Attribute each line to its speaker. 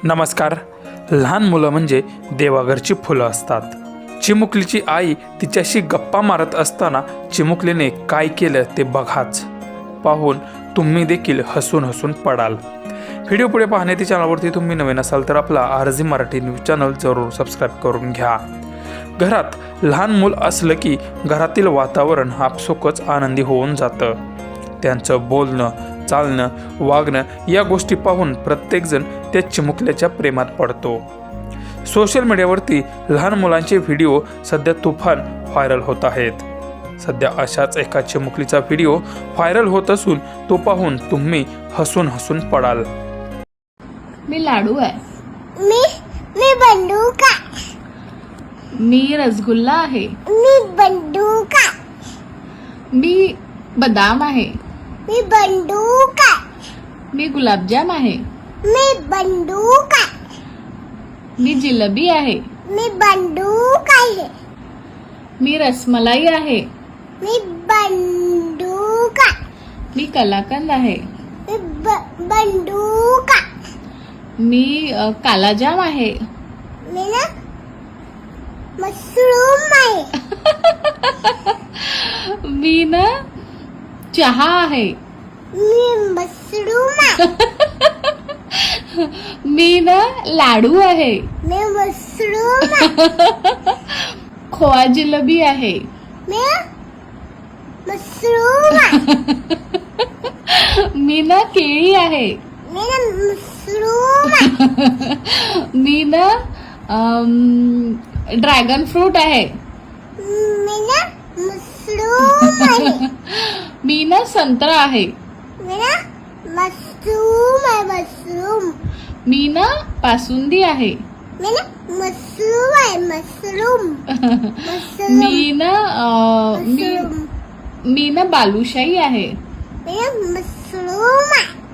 Speaker 1: नमस्कार. लहान मुलं म्हणजे देवाघरची फुलं असतात. चिमुकलीची आई तिच्याशी गप्पा मारत असताना चिमुकलीने काय केलं ते बघाच. पाहून तुम्ही देखील हसून हसून पडाल. व्हिडिओ पुढे पाहण्याच्या चॅनलवरती तुम्ही नवीन असाल तर आपला आरजी मराठी न्यूज चॅनल जरूर सबस्क्राईब करून घ्या. घरात लहान मूल असलं की घरातील वातावरण आपसुकच आनंदी होऊन जातं. त्यांचं बोलणं, चालणं, वागणं या गोष्टी पाहून प्रत्येकजण त्या चिमुकल्याच्या प्रेमात पडतो. सोशल मीडियावरती लहान मुलांचे व्हिडिओ सध्या तुफान व्हायरल होत आहेत. सध्या अशाच एका चिमुकलीचा व्हिडिओ व्हायरल होत असून तो पाहून तुम्ही हसून हसून पडाल.
Speaker 2: मी लाडू आहे.
Speaker 3: मी बंदूक आहे.
Speaker 2: मी रसगुल्ला आहे.
Speaker 3: मी बंदूक आहे.
Speaker 2: मी बदाम आहे.
Speaker 3: मी बंदूक आहे.
Speaker 2: मी गुलाबजाम आहे.
Speaker 3: मी बंदूक आहे.
Speaker 2: मी जिलेबी आहे.
Speaker 3: मी बंदूक आहे.
Speaker 2: मी रसमलाई आहे.
Speaker 3: मी बंदूक आहे.
Speaker 2: मी कलाकंद आहे.
Speaker 3: मी बंदूक आहे.
Speaker 2: मी कालाजाम आहे.
Speaker 3: मी ना मशरूम आहे.
Speaker 2: मी ना चहा आहे.
Speaker 3: मी मशरूम आहे.
Speaker 2: मी ना लाडू आहे.
Speaker 3: मी मशरूम आहे.
Speaker 2: खोवा जिलेबी आहे.
Speaker 3: मी मशरूम आहे.
Speaker 2: मी ना केळी आहे.
Speaker 3: मी ना मशरूम आहे.
Speaker 2: मी ना ड्रॅगन फ्रूट आहे.
Speaker 3: मी ना मशरूम आहे.
Speaker 2: मी ना संत्रा आहे.
Speaker 3: मी ना मशरूम आहे. मशरूम.
Speaker 2: मी ना पासुंदी आहे.
Speaker 3: मी ना मशरूम आहे. मशरूम. मशरूम.
Speaker 2: मी ना
Speaker 3: मशरूम.
Speaker 2: मी ना बालुशाही आहे.
Speaker 3: मी ना मशरूम आहे.